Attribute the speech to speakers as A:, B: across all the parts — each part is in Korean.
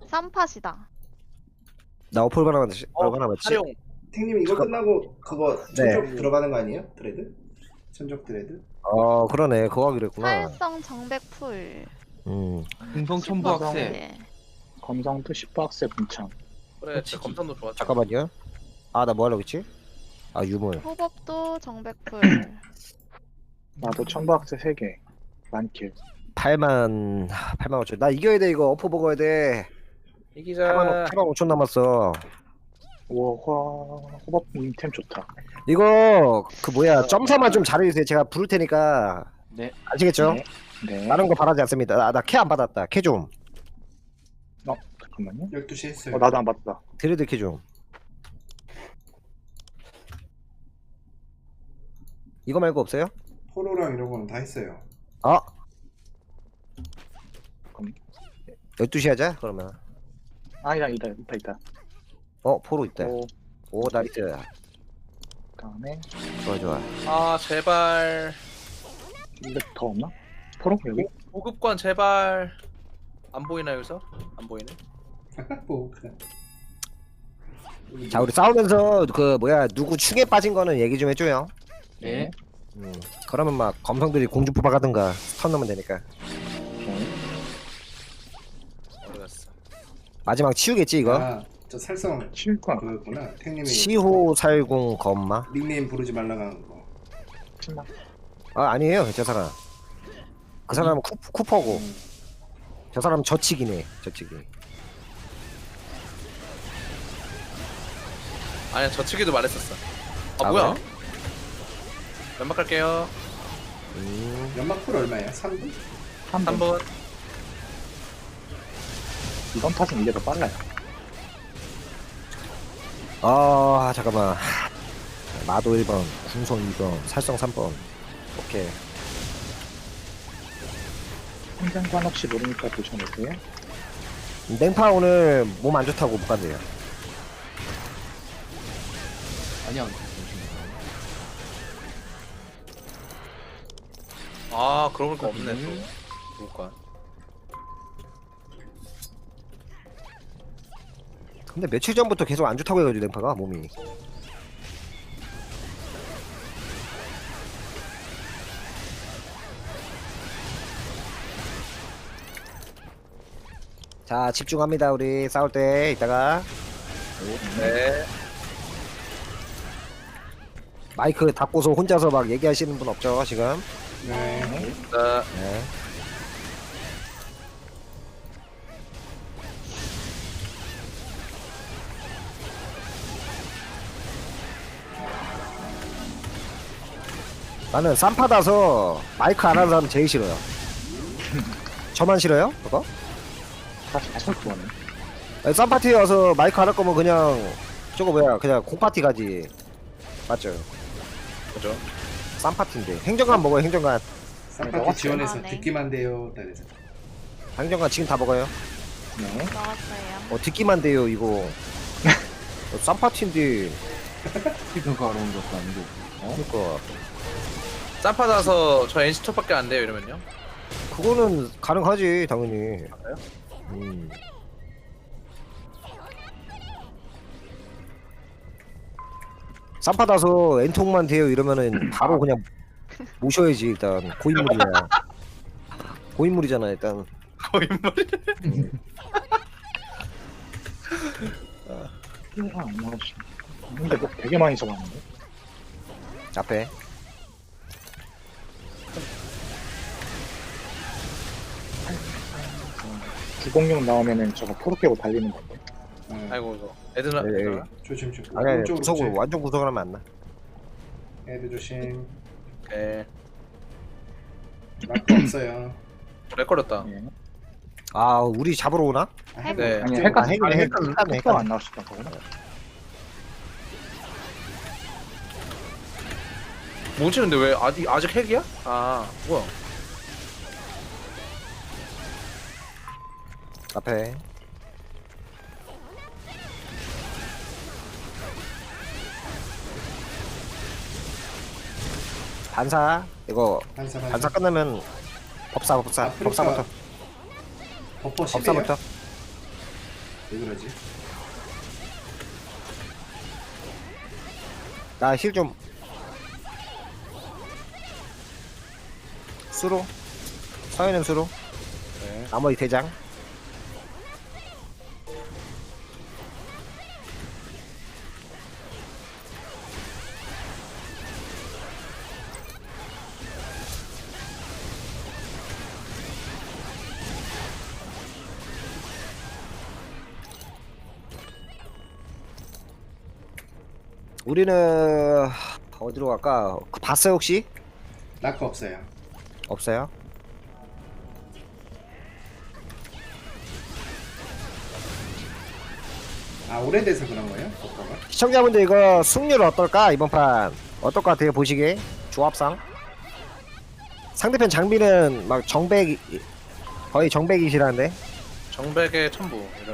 A: 쌈팟이다.
B: 나 어플 하나 맞지? 하나 맞지?
C: 활용.
D: 탱님 이거 끝나고 그거
B: 네.
D: 천적 들어가는 거 아니에요? 드레드? 천적 드레드?
B: 그러네. 그거 하기로 했구나.
A: 사일성 정백풀.
E: 금성 첨부 학생.
A: 네.
F: 검성도 10박스의 분창.
C: 그래, 진짜 검탄도 좋았죠.
B: 잠깐만요. 나 뭐 하려고 했지? 유물.
A: 호법도 정백풀.
F: 나도 1000박스 3개. 만킬.
B: 8만 5천. 나 이겨야 돼 이거. 어퍼 먹어야 돼.
C: 이기자.
B: 8만 5천 남았어.
F: 호법님 템 좋다.
B: 이거 그 뭐야 점사만 좀 잘해주세요. 제가 부를 테니까.
E: 네.
B: 아시겠죠?
F: 네. 네.
B: 다른 거 바라지 않습니다. 나 캐 안 받았다. 캐 좀.
F: 잠깐만요.
D: 12시 했어요.
F: 나도 안 받았다.
B: 드레드 캐 좀. 이거 말고 없어요?
D: 포로랑 이런 거는 다 했어요.
B: 12시 하자 그러면.
F: 아니다, 있다.
B: 포로 있다. 오 나이스.
F: 그다음에
B: 좋아.
C: 아, 제발.
F: 이거 더 없나? 포로 여기?
C: 보급관 제발. 안 보이나 여기서? 안 보이네.
D: 뭐 그냥.
B: 자 우리 싸우면서 그 뭐야 누구 축에 빠진 거는 얘기 좀 해줘요.
E: 네.
B: 그러면 막 검성들이 공주포 박하든가 스턴 넣으면 되니까.
C: 모르겠어.
B: 마지막 치우겠지 이거?
D: 저 살성
F: 칠과
D: 그거였구나. 탱님이
B: 시호 살궁 검마?
D: 닉네임 부르지 말라고 하는 거.
F: 신나.
B: 아니에요 저 사람. 그 사람은 쿠퍼고 저 사람은 저치기네 저치기.
C: 아니야, 저치기도 말했었어.
B: 아,
C: 뭐야?
B: 그래?
C: 연막 갈게요.
D: 연막풀 얼마야? 3분?
C: 3번.
F: 이번 탓은 이게 더 빨라요.
B: 잠깐만. 마도 1번, 궁성 2번, 살성 3번. 오케이.
F: 행장관 혹시 모르니까 보셔놓으세요.
B: 냉파 오늘 몸 안 좋다고 못 간대요.
E: 아니야.
C: 아, 그러고 보니까 없네 또. 보급관.
B: 근데 며칠 전부터 계속 안 좋다고 해가지고 냉파가 몸이. 자 집중합니다 우리 싸울 때 이따가.
C: 네.
B: 마이크 닫고서 혼자서 막 얘기하시는 분 없죠 지금?
D: 네.
C: 자,
B: 네. 나는 쌈파다서 마이크 안 하는 사람 제일 싫어요. 저만 싫어요? 그거?
F: 사실 그거네.
B: 아니, 쌈파티에 와서 마이크 안 할 거면 그냥 저거 뭐야 그냥 공파티 가지. 맞죠?
C: 그죠?
B: 쌈파티인데 행정관 먹어요 행정관.
D: 쌈파티 지원해서
A: 아, 네.
D: 듣기만 돼요. 그래서
B: 행정관 지금 다 먹어요.
F: 네.
A: 넣었어요.
B: 듣기만 돼요 이거. 쌈파티인데.
E: 스피드가 어려운 것도 아니고.
B: 그러니까
C: 쌈파다서 저 NC 톱밖에 안 돼요 이러면요?
B: 그거는 가능하지 당연히.
C: 맞아요?
B: 쌈파다서 엔통만 돼요 이러면은 바로 그냥 모셔야지 일단 고인물이야. 고인물이잖아 일단.
C: 거인물.
F: 피해가 안 나오시. 근데 뭐 되게 많이 써봤는데.
B: 앞에.
F: 주공룡 나오면은 저거 포로 깨고 달리는 건데.
C: 아이고 이거 애들은
B: 네, 네.
D: 조심.
B: 아니
D: 오른쪽으로
B: 구석으로
D: 오지.
B: 완전 구석을 하면 안 나.
D: 애들 조심.
C: 네.
D: 마크 없어요.
C: 렉걸렸다.
F: 네.
B: 우리 잡으러 오나?
C: 네.
F: 아니
D: 헷갈려.
F: 핵가 안 나왔었던 거구나.
C: 뭐지 근데 왜 아직 핵이야? 아 뭐야?
B: 앞에. 반사 이거 반사 끝나면 법사부터
D: 버퍼 10이에요?
B: 법사부터
D: 왜 그러지?
B: 나 힐 좀. 수로. 서해는 수로.
C: 네.
B: 나머지 대장. 우리는 어디로 갈까? 그 봤어요 혹시?
D: 라커 없어요.
B: 없어요?
D: 아 오래돼서 그런 거예요? 버퍼가?
B: 시청자분들 이거 승률 어떨까? 이번 판 어떨 것 같아요 보시기에? 조합상 상대편 장비는 막 정백 거의 정백이시라는데
C: 정백의 첨부 이런.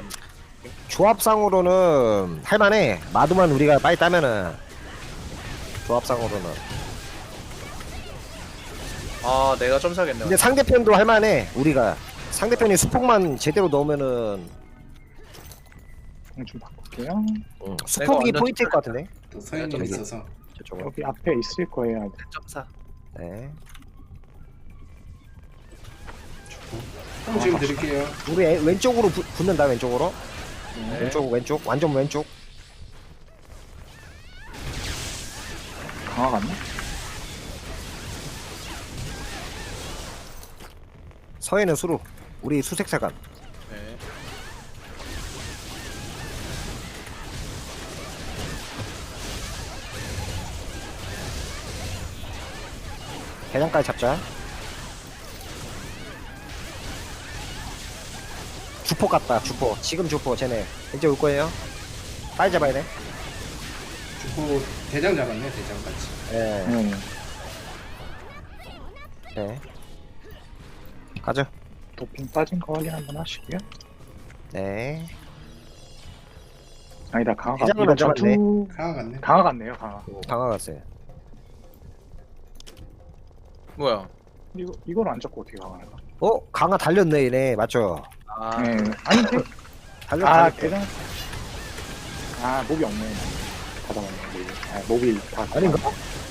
B: 조합상으로는 할만해. 마두만 우리가 빨리 따면은 조합상으로는.
C: 아 내가 좀 사겠네.
B: 근데 상대편도 할만해. 우리가 상대편이 수폭만 제대로 넣으면은
F: 좀 바꿀게요.
B: 수폭이
C: 완전
B: 포인트일 것 같은데.
D: 또 서현님
C: 저기.
D: 있어서
B: 저쪽으로.
F: 여기 앞에 있을 거예요.
C: 점사.
B: 네.
D: 형 지금 드릴게요.
B: 우리 왼쪽으로 붙는다 왼쪽으로.
C: 네.
B: 왼쪽 완전 왼쪽.
F: 강화 갔나?
B: 서해는 수로. 우리 수색사관.
C: 네.
B: 대장까지 잡자. 주포 같다 주포. 지금 주포 쟤네 이제 올 거예요. 빨리 잡아야 돼.
D: 주포 대장 잡았네 대장 같이.
B: 네.
F: 네.
B: 네. 가죠.
F: 도핑 빠진 거 확인 한번 하시고요.
B: 네.
F: 아니다, 강화가.
B: 대장은
F: 이거
B: 안 잡았네.
F: 전투
D: 강화 같네.
F: 강화 같네요, 강화.
B: 강화 갔어요.
C: 뭐야?
F: 이걸 안 잡고 어떻게 강화할까?
B: 강화 달렸네 얘네 맞죠?
C: 아
F: 네. 아닌데?
B: 달렸.
F: 아,
B: 달렸.
F: 대장. 아, 몹이 없네. 다 잡았네, 몹이. 아, 몹이 다.
B: 아닌가?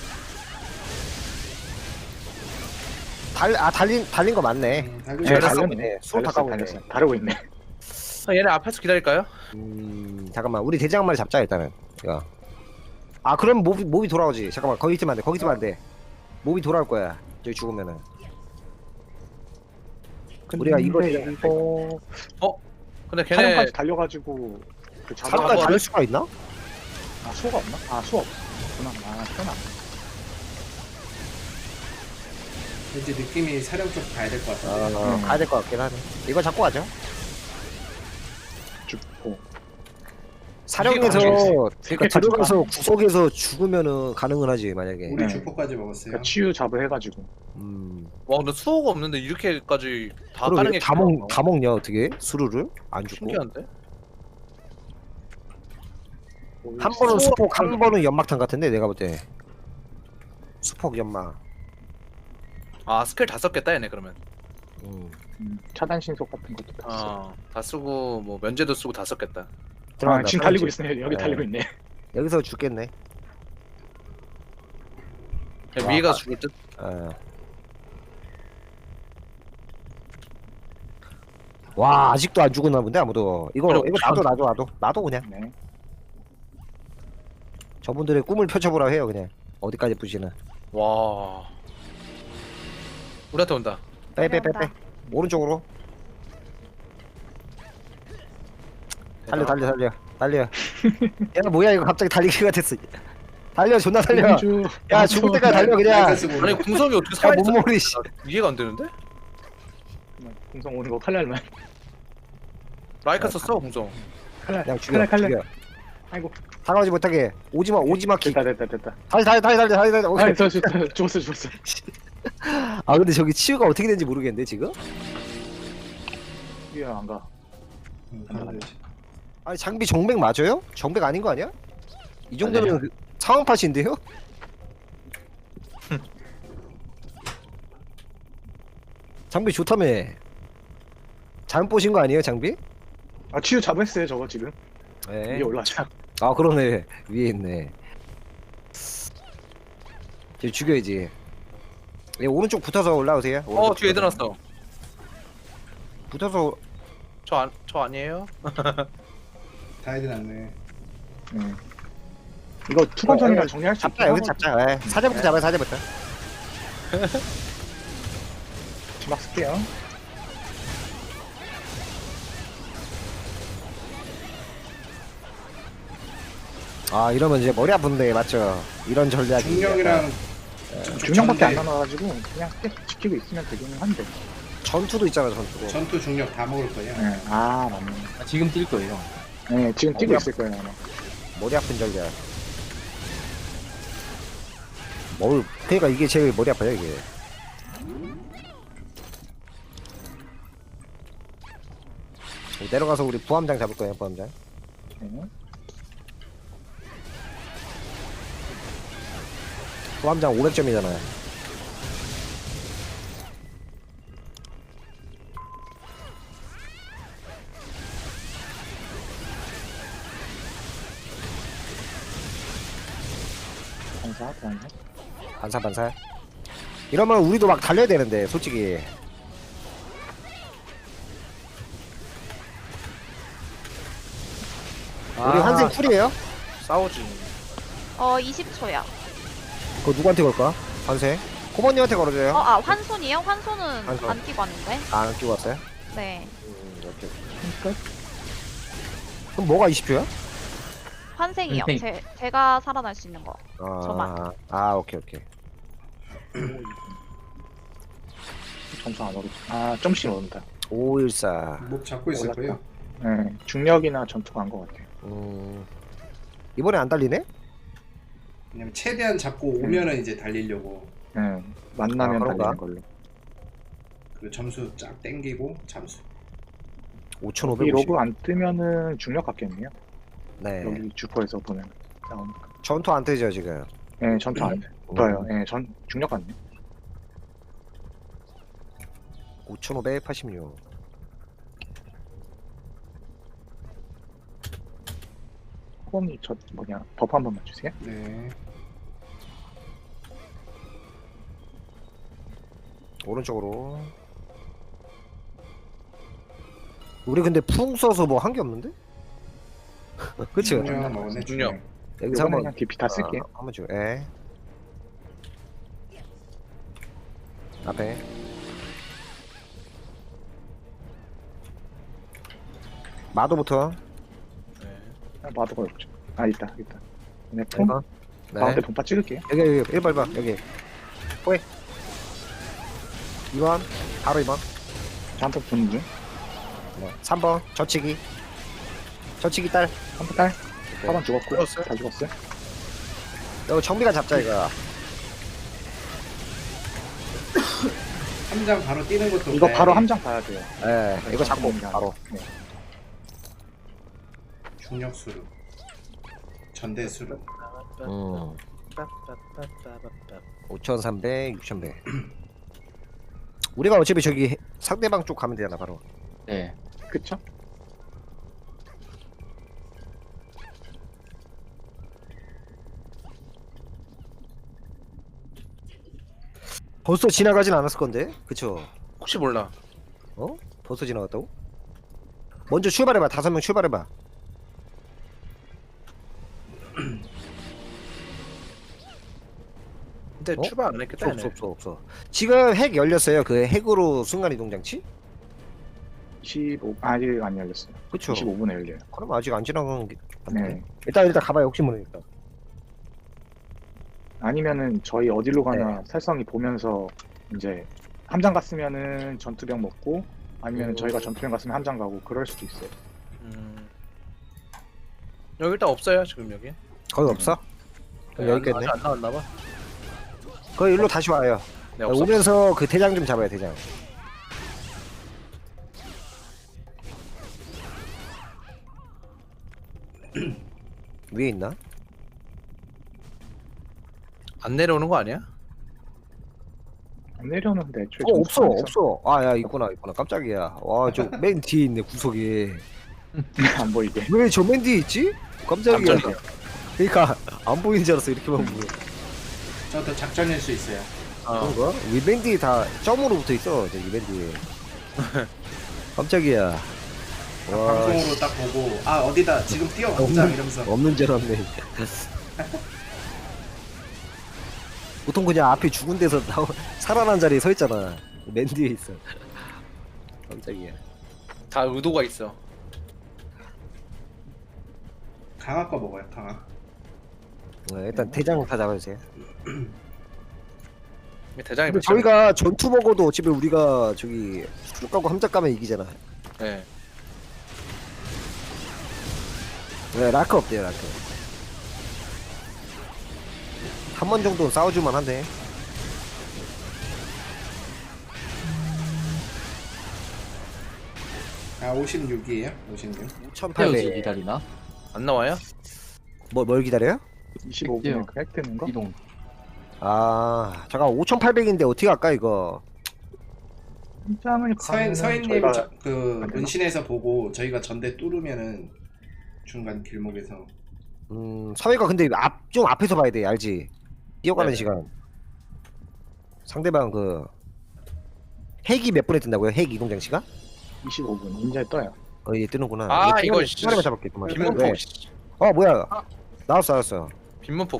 B: 달린 거 맞네.
D: 달고
F: 네,
B: 달렸어.
F: 달렸네.
B: 수로 다 까고 있네.
F: 다르고 있네.
C: 얘네 앞에서 기다릴까요?
B: 잠깐만 우리 대장 한 마리 잡자 일단은. 이거. 아 그럼 몹이 돌아오지. 잠깐만 거기 있으면 안 돼. 거기 있으면 안 돼. 몹이 돌아올 거야. 저기 죽으면은. 우리가 이거
F: 이거
C: 근데 걔네
F: 사령까지 달려가지고 그
B: 사람까지
F: 잡아가.
B: 달릴 수가 있나?
F: 아, 수가 없나? 아, 수 없구나. 아, 편하.
D: 왠지 느낌이 사령 쪽 가야 될 것 같은데.
B: 가야 될 것 같긴 하네. 이거 잡고 가죠.
F: 죽고.
B: 사령에서
F: 되게
B: 들어가서 구석에서 죽으면은 가능은 하지 만약에.
D: 우리
F: 네.
D: 주포까지 먹었어요.
F: 그러니까 치유 잡을 해가지고.
C: 와 근데 수호가 없는데 이렇게까지 다 까는
B: 그러게
C: 게
B: 다 먹냐 어떻게 수루를 안 죽고.
C: 신기한데?
B: 한 번은 수폭 한 번은 연막탄 같은데 내가 볼 때. 수폭 연막.
C: 아 스킬 다 썼겠다 얘네 그러면.
F: 차단 신속 같은 것도 다 써.
C: 다 쓰고 뭐 면제도 쓰고 다 썼겠다.
F: 아,
B: 들어간다,
F: 지금 달리고
B: 사령집.
F: 있어요. 여기
B: 네.
F: 달리고 있네.
B: 여기서 죽겠네.
C: 그냥
B: 와,
C: 위에가
B: 아.
C: 죽을 듯.
B: 와 아직도 안 죽었나 본데 아무도. 이거
C: 그럼
B: 놔둬 그냥.
F: 네.
B: 저분들의 꿈을 펼쳐보라 해요 그냥. 어디까지 부시는.
C: 와. 우리한테 온다.
B: 빼
A: 내려온다.
B: 오른쪽으로. 달려. 야 뭐야 이거 갑자기 달리기가 됐어. 달려 존나 달려. 야 죽을 때까지 달려 그냥.
D: 라이카스 보면
C: 아니 궁성이 어떻게
B: 야
C: 살아있어?
B: 몸머리 씨.
C: 이해가 안 되는데?
F: 공성 오는 거 칼날만.
C: 라이카 썼어 궁성.
F: 칼날.
B: 그냥 죽여.
F: 칼날. 아이고.
B: 다가오지 못하게. 오지마 킥.
F: 됐다.
B: 다시. 오케이.
F: 아, 죽었어.
B: 아 근데 저기 치유가 어떻게 되는지 모르겠는데 지금?
F: 이해 안 가.
D: 가면 되지.
B: 아니 장비 정백 맞아요? 정백 아닌 거 아니야? 이 정도면 그 상황 팟인데요? 장비 좋다며. 잘못 보신 거 아니에요 장비?
F: 아 치유 잡았어요 저거 지금.
B: 네.
F: 위에 올라가자.
B: 아 그러네 위에 있네. 이제 죽여야지. 예, 오른쪽 붙어서 올라오세요. 오른쪽
C: 뒤에 애들
B: 붙어서.
C: 났어.
B: 붙어서
C: 저 아니에요?
D: 다 해드 났네.
F: 이거 투관전이라
B: 어,
F: 정리할 수
B: 잡자
F: 있긴
B: 여기 잡자. 예. 사제부터 잡아요 사제부터.
F: 막 쓸게요.
B: 아 이러면 이제 머리 아픈데 맞죠? 이런 전략이.
D: 중력이랑
F: 중량밖에 안
D: 전대,
F: 남아가지고 그냥 계속 지키고 있으면 되기는 한데.
B: 전투도 있잖아 전투도.
D: 전투 중력 다 먹을 거예요.
F: 네. 아 맞네.
E: 아, 지금 뛸 거예요.
F: 네 지금 뛰고 있을 거예요 아마.
B: 머리 아픈 전략. 그러니까 이게 제일 머리 아파요 이게. 내려가서 우리 부함장 잡을 거예요 부함장.
F: 네.
B: 부함장 500점이잖아요.
F: 반사.
B: 반사. 이러면 우리도 막 달려야 되는데 솔직히. 우리 환생 쿨이에요?
C: 싸우지.
A: 20초야.
B: 그거 누구한테 걸까? 환생? 코버님한테 걸어줘요.
A: 환손이요? 환손은
B: 환손.
A: 안 끼고 왔는데.
B: 안 끼고 왔어요?
A: 네.
B: 오케이.
F: 끝.
B: 그럼 뭐가 20초야?
A: 환생이요.
E: 환생.
A: 제가 살아날 수 있는 거. 저만.
B: 오케이.
F: 점수 안 오르. 아 점씩 오른다.
B: 514.
D: 목 잡고 있을
F: 올랐다.
D: 거예요.
F: 네 중력이나 전투가 안 것 같아요.
B: 이번에 안 달리네?
D: 왜냐면 최대한 잡고 오면은 이제 달리려고.
F: 네 만나면
B: 그런가?
F: 달리는 걸로.
D: 그 점수 쫙 땡기고 잠수.
B: 5,550.
F: 이 로그 안 뜨면은 중력 같겠네요.
B: 네.
F: 여기 주포에서 보면 나오니까.
B: 전투 안 뜨죠 지금.
F: 네 전투 안 떠요. 네 전 중력 같네.
B: 5,586.
F: 호범님 저 버프 한 번만 주세요.
D: 네.
B: 오른쪽으로. 우리 근데 풍 써서 뭐 한 게 없는데? 그치?
D: 중력 먹었네.
C: 중력.
D: 중력.
B: 여기서
F: 이번에
B: 한번
F: 그냥 DP 다 쓸게요.
B: 한번 줘. 예. 앞에. 마도부터.
F: 마도가 없죠. 아 있다. 네 폼.
B: 이거. 네.
F: 가운데 분파 찍을게요.
B: 여기 1번 여기. 호에. 2번. 바로 2번.
F: 잠깐 보는 중.
B: 네. 3번. 저치기 딸.
F: 한번 딸. 4번 죽었고.
C: 죽었어요?
F: 다 죽었어요.
B: 이거 정비가 잡자 이거.
D: 함장 바로 뛰는 것도.
F: 이거
D: 봐야
F: 바로
D: 돼.
F: 함장 봐야 돼요.
B: 예. 이거 잡고 바로.
F: 네.
D: 중력 수루. 전대 수루.
B: 5,300, 6,100. 우리가 어차피 저기 상대방 쪽 가면 되잖아 바로.
E: 네.
F: 그쵸?
B: 벌써 지나가진 않았을 건데, 그쵸?
C: 혹시 몰라.
B: 벌써 지나갔다고? 먼저 출발해봐. 5명 출발해봐.
C: 근데
B: 어?
C: 출발 안 했겠다.
B: 없어. 지금 핵 열렸어요. 그 핵으로 순간이동 장치?
F: 25 아직 안 열렸어요.
B: 그쵸?
F: 25분에 열려요.
B: 그럼 아직 안 지나간 게
F: 네.
B: 맞네. 일단 가봐요. 혹시 모르니까.
F: 아니면은 저희 어디로 가나
B: 네.
F: 살성이 보면서 이제 함장 갔으면은 전투병 먹고 아니면은 저희가 전투병 갔으면 함장 가고 그럴 수도 있어요.
C: 여기 일단 없어요 지금 여기.
B: 거기 없어? 그럼 여기 있겠네.
C: 아직 안 나왔나 봐.
B: 거기 일로 다시 와요.
C: 네, 없어.
B: 오면서 그 대장 좀 잡아요. 대장. 위에 있나?
C: 안 내려오는 거 아니야?
F: 안 내려오는데 애초에
B: 없어
F: 전투방에서
B: 없어. 아 야 있구나. 깜짝이야. 와 저 맨 뒤에 있네 구석에.
F: 안 보이게.
B: 왜 저 맨 뒤에 있지? 깜짝이야.
C: 깜짝이야.
B: 그러니까 안 보이는 줄 알았어. 이렇게만 보면.
D: 저도 작전일 수 있어요.
B: 그런가? 위맨 뒤에 다 점으로 붙어 있어. 저 위맨 뒤에. 깜짝이야. 와,
D: 방송으로 딱 보고 아 어디다 지금 뛰어가자 이러면서
B: 없는 줄 알았네. 보통 그냥 앞에 죽은 데서 살아난 자리에 서 있잖아. 맨 뒤에 있어. 깜짝이야.
C: 다 의도가 있어.
D: 강화 거 먹어요. 강화.
B: 일단 대장 다 잡아주세요.
C: 대장이
B: 근데 저희가 전투 먹어도 어차피 우리가 저기 쭉 가고 함작 가면 이기잖아.
C: 네.
B: 네, 라크 없대요, 라크. 한 번 정도는 싸워줄만 한데.
D: 아 56이에요. 56.
E: 태워지
B: 5800.
E: 기다리나?
C: 안 나와요?
B: 뭘 기다려요?
F: 25분에 그 획되는 거?
E: 이동.
B: 아, 잠깐 5800인데 어떻게 할까 이거?
F: 현장을 가면은
D: 서인님
F: 저희가
D: 그
F: 안 되나?
D: 은신에서 보고 저희가 전대 뚫으면은 중간 길목에서
B: 사회가 근데 좀 앞에서 봐야 돼, 알지? 뛰어가는
C: 네.
B: 시간. 상대방 그 핵이 몇 분에 뜬다고요? 핵 이동 장치가?
F: 25분 인제 떠요.
B: 이제 뜨는구나.
C: 아, 이거
B: 시간만 잡을게. 그만. 왜?
C: 빈문폭.
B: 뭐야? 나왔어.
C: 빈문폭.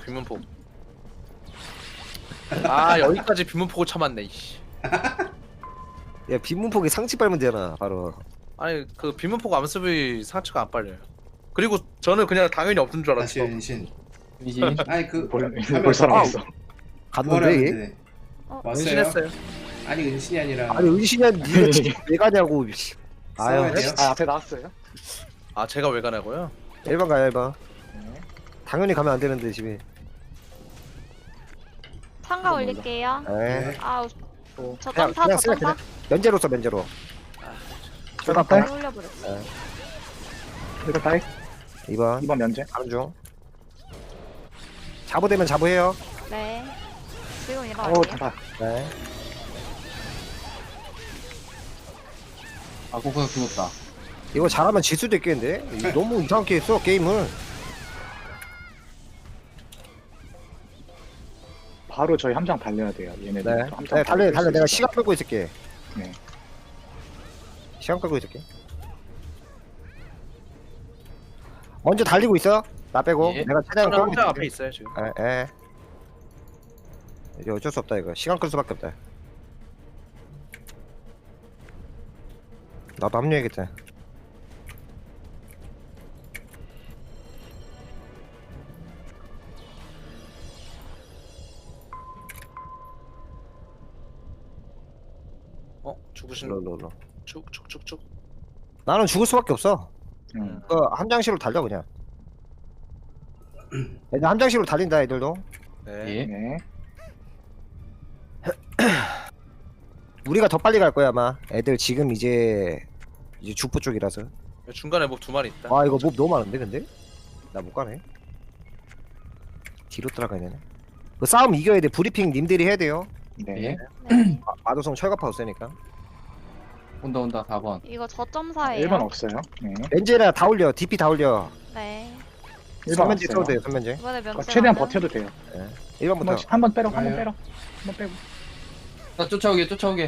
C: 아 여기까지 빈문폭을 참았네. 이씨.
B: 야, 빈문폭에 상치 빨면 되잖아, 바로.
C: 아니 그 빈문폭 암습이 상처가 안 빨려요. 그리고 저는 그냥 당연히 없는 줄
D: 다시
C: 알았어.
D: 은신.
E: 이지.
D: 아니 그
F: 벌써 나왔어.
B: 갔는데 얘?
D: 네. 왔어요.
C: 은신했어요.
D: 아니 은신이 아니라
B: 아니 은신이야, 니가 진짜 왜 가냐고. 씨.
D: 싸워야
B: 아유,
D: 돼요?
F: 아 앞에 나왔어요?
C: 아 제가 왜 가냐고요?
B: 1번 가요, 1번.
F: 네.
B: 당연히 가면 안 되는데 집에.
A: 참가 올릴게요.
B: 에.
A: 아우,
F: 또
A: 저
B: 그냥
A: 점사, 저
B: 쓰면
A: 점사.
B: 면제로 써, 면제로.
F: 잠깐만.
A: 잘 올려버렸어.
F: 이거 다이
B: 2번
F: 2번 면제.
B: 가는 중. 자부되면 자부해요.
A: 네. 지금
F: 오
A: 일어날게요.
F: 다다.
B: 네.
E: 아 고구가 죽었다.
B: 이거 잘하면 질 수도 있겠는데? 이거 너무 이상하게 했어 게임을.
F: 바로 저희 함장 달려야 돼요. 얘네들.
B: 네.
F: 함장
B: 네, 달려.
F: 바로
B: 내가
F: 뛸수
B: 시간 끌고 있을게.
F: 네.
B: 시간 끌고 있을게. 먼저 달리고 있어. 나 빼고.
E: 예.
B: 내가 최대한
C: 저는
B: 끌고
C: 혼자
B: 있을게.
C: 앞에 있어요 지금.
B: 에. 이제 어쩔 수 없다 이거. 시간 끌 수밖에 없다. 나도 합류해야겠다.
C: 죽으시는
B: 롤.
C: 쭉쭉쭉쭉.
B: 나는 죽을 수밖에 없어.
F: 응.
B: 그 함장실로 달려 그냥. 애들 함장실로 달린다 애들도.
C: 네.
E: 예.
F: 네.
B: 우리가 더 빨리 갈 거야 아마. 애들 지금 이제 죽포 쪽이라서.
C: 중간에 뭐 두 마리 있다.
B: 아 이거 몹 너무 많은데 근데? 나 못 가네. 뒤로 따라가야 되네. 그 싸움 이겨야 돼. 브리핑 님들이 해야 돼요.
F: 네.
E: 예.
A: 네.
B: 마도성 철갑파 없으니까.
E: 온다 4번.
A: 이거 저점사예요.
F: 1번 없어요. 네.
B: 렌즈나 다 올려. DP 다 올려.
A: 네.
F: 1번
B: 선면제 써도
F: 없어요.
B: 돼요. 선면제.
A: 이번에
F: 그러니까
A: 면제.
F: 최대한 버텨도 돼요.
B: 1번부터.
F: 한번 빼러. 한번
D: 좋아요.
F: 빼러. 한번 빼고.
E: 나 쫓아오게.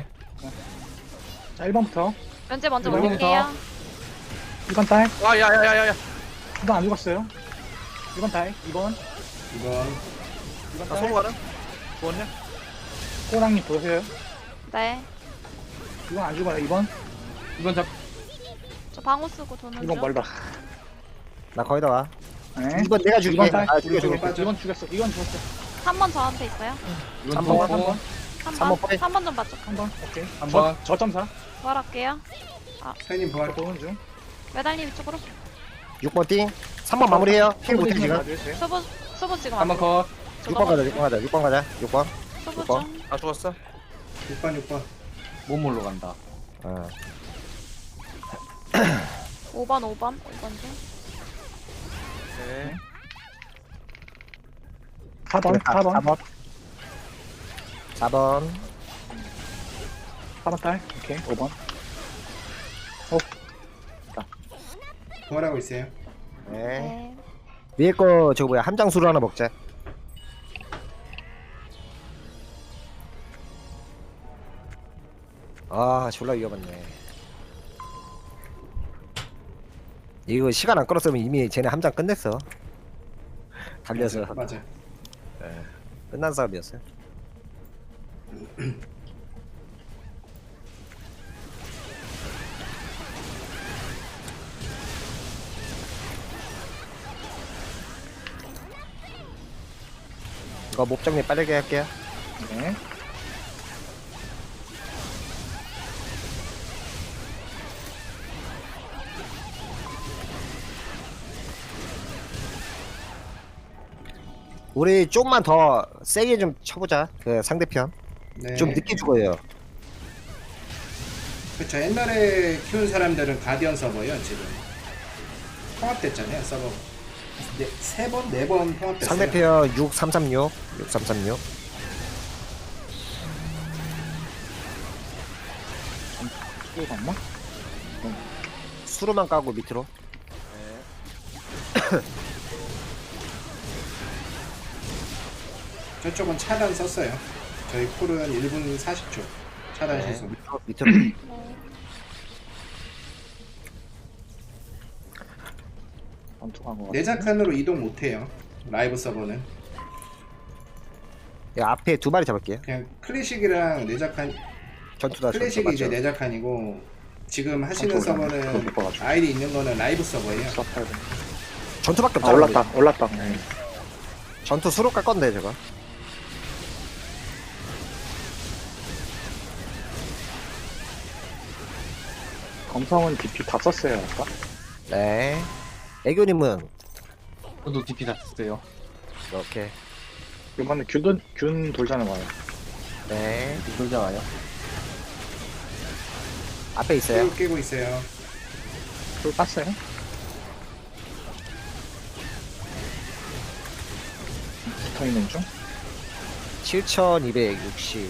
F: 자 1번부터.
A: 면제 먼저
F: 이번부터.
A: 올릴게요.
F: 2번 딸.
C: 아 야야야야야.
F: 2번 안 죽었어요. 1번 딸. 2번.
D: 2번
F: 2번
C: 나
F: 딸.
C: 소모 가는? 죽었냐?
F: 호랑님 보세요.
A: 네.
F: 2번 안 죽어요. 2번.
E: 2번 잡.
A: 저 방어 쓰고 도는
F: 2번
A: 중.
F: 멀다.
B: 나 거의 다 와.
F: 네.
B: 2번 내가 죽일게.
F: 2번 딸.
B: 아 죽여 죽여.
F: 2번 죽였어. 2번 죽었어.
A: 3번 저한테 있어요.
E: 2번
B: 3번,
E: 죽었고.
F: 3번.
B: 3번 포획.
A: 3번 좀 맞죠.
F: 3번. 오케이.
E: 한 번.
F: 저 점사.
A: 부활할게요.
D: 사인님 부활.
F: 보는 중.
A: 매달님 이쪽으로.
B: 6번 띵. 3번 마무리해요. 힐 못해 지금.
A: 수부 지금 안
E: 3번
A: 돼.
E: 컷.
B: 6번 가자. 6번 가자. 6번 가자. 6번.
A: 수부
B: 번.
A: 중.
C: 아 죽었어?
D: 6번
E: 몸몰로 간다.
B: 어.
A: 5번 5번 중.
C: 네.
F: 4번. 4번.
B: 4번. 4번.
F: 4번 딸. 오케이. 5번.
D: 부활하고 있어요.
B: 네.
A: 네.
B: 위에 거 저거 뭐야 함장수로 하나 먹자. 아 졸라 위험했네. 이거 시간 안 끌었으면 이미 쟤네 함장 끝냈어. 달려서
D: 맞아.
B: 끝난 싸움이었어요. 이거 목 정리 빠르게 할게요.
F: 네.
B: 우리 좀만 더 세게 좀 쳐보자. 그 상대편
D: 네.
B: 좀 늦게 죽어요.
D: 그쵸. 옛날에 키운 사람들은 가디언 서버요 지금. 통합됐잖아요 서버. 네, 3번, 4번 통합됐어요.
B: 상대편 6336, 6336.
F: 또 갔나?
B: 수로만 까고 밑으로.
D: 저쪽은 차단 썼어요. 저희 쿨은 1분 40초. 차단
B: 네.
D: 시속.
B: 밑으로.
A: 네.
F: 전투한 거 같아.
D: 내작칸으로 이동 못해요. 라이브 서버는
B: 이 앞에 두 마리 잡을게요.
D: 그냥 클래식이랑 내작칸.
B: 전투다 전투
D: 클래식이 이제
B: 맞죠?
D: 내작칸이고 지금 하시는
F: 전투 그거
D: 서버는
F: 못 봐가지고.
D: 아이디 있는 거는 라이브 서버예요.
F: 수업해야 돼.
B: 전투밖에
F: 아
B: 없잖아.
F: 올랐다 올랐다. 네.
B: 전투 수로 깔 건데 저거.
F: 검성은 DP 다 썼어요 아까.
B: 네. 애교님은
E: 저도 DP 다 썼어요.
B: 이렇게.
F: 이번에 균 돌자는 와요.
B: 네.
E: 돌자 와요.
B: 앞에 있어요.
D: 깨고 있어요.
F: 또 땄어요? 붙어있는 중?
B: 7260.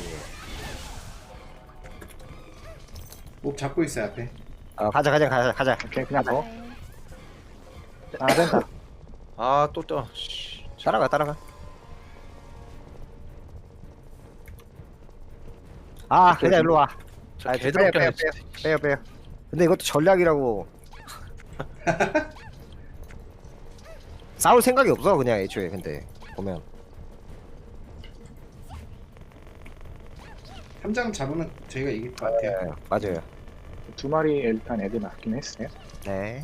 D: 목 잡고 있어요 앞에.
B: 가자.
F: 오케이 그냥 더.
A: 네.
F: 아 된다.
C: 아또
B: 따라가. 아, 그냥 일로 와.
C: 저
B: 아,
C: 개드럽게 하네.
B: 빼요. 근데 이것도 전략이라고. 싸울 생각이 없어 그냥 애초에. 근데 보면
D: 함장 잡으면 저희가 이길 것 같아요.
B: 네, 맞아요.
F: 두 마리 일단 애들 낳긴 했어요.
B: 네.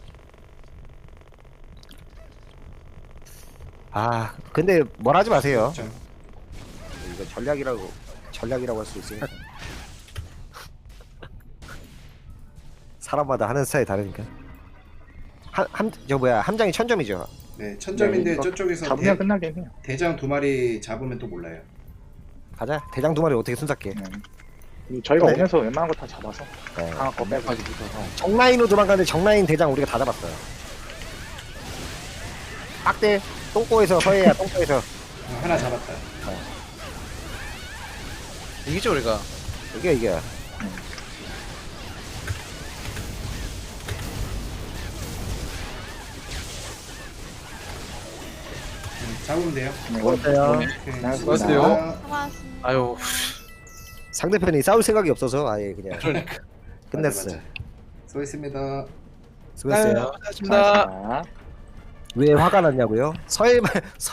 B: 아, 근데 뭘 하지 마세요.
D: 그렇죠.
B: 이거 전략이라고 할 수 있으니까. 사람마다 하는 스타일이 다르니까. 함장이 1000점이죠.
D: 네, 1000점인데
F: 네, 이거
D: 저쪽에서
F: 잡으면 끝나긴 해요.
D: 대장 2마리 잡으면 또 몰라요.
B: 가자. 대장 두 마리 어떻게 손잡게.
F: 저희가
B: 네.
F: 오면서 웬만한 거 다 잡아서
B: 네.
F: 강한 거 빼고.
E: 까지 붙어서.
B: 정라인으로 도망가는데 정라인 대장 우리가 다 잡았어요. 빡대 똥꼬에서 서해야 똥꼬에서
D: 하나 잡았다.
C: 이기죠 우리가.
B: 이겨.
D: 잡으면 돼요.
F: 네,
B: 고맙어요.
D: 오케이,
E: 수고하세요.
D: 수고하셨습니다.
A: 수고하셨습니다.
C: 아유
B: 상대편이 싸울 생각이 없어서 아예 그냥
C: 그러니까.
B: 끝냈어.
D: 맞아. 수고했습니다.
B: 수고했어요.
C: 고맙습니다.
F: 자,
B: 왜 화가 났냐고요? 서해만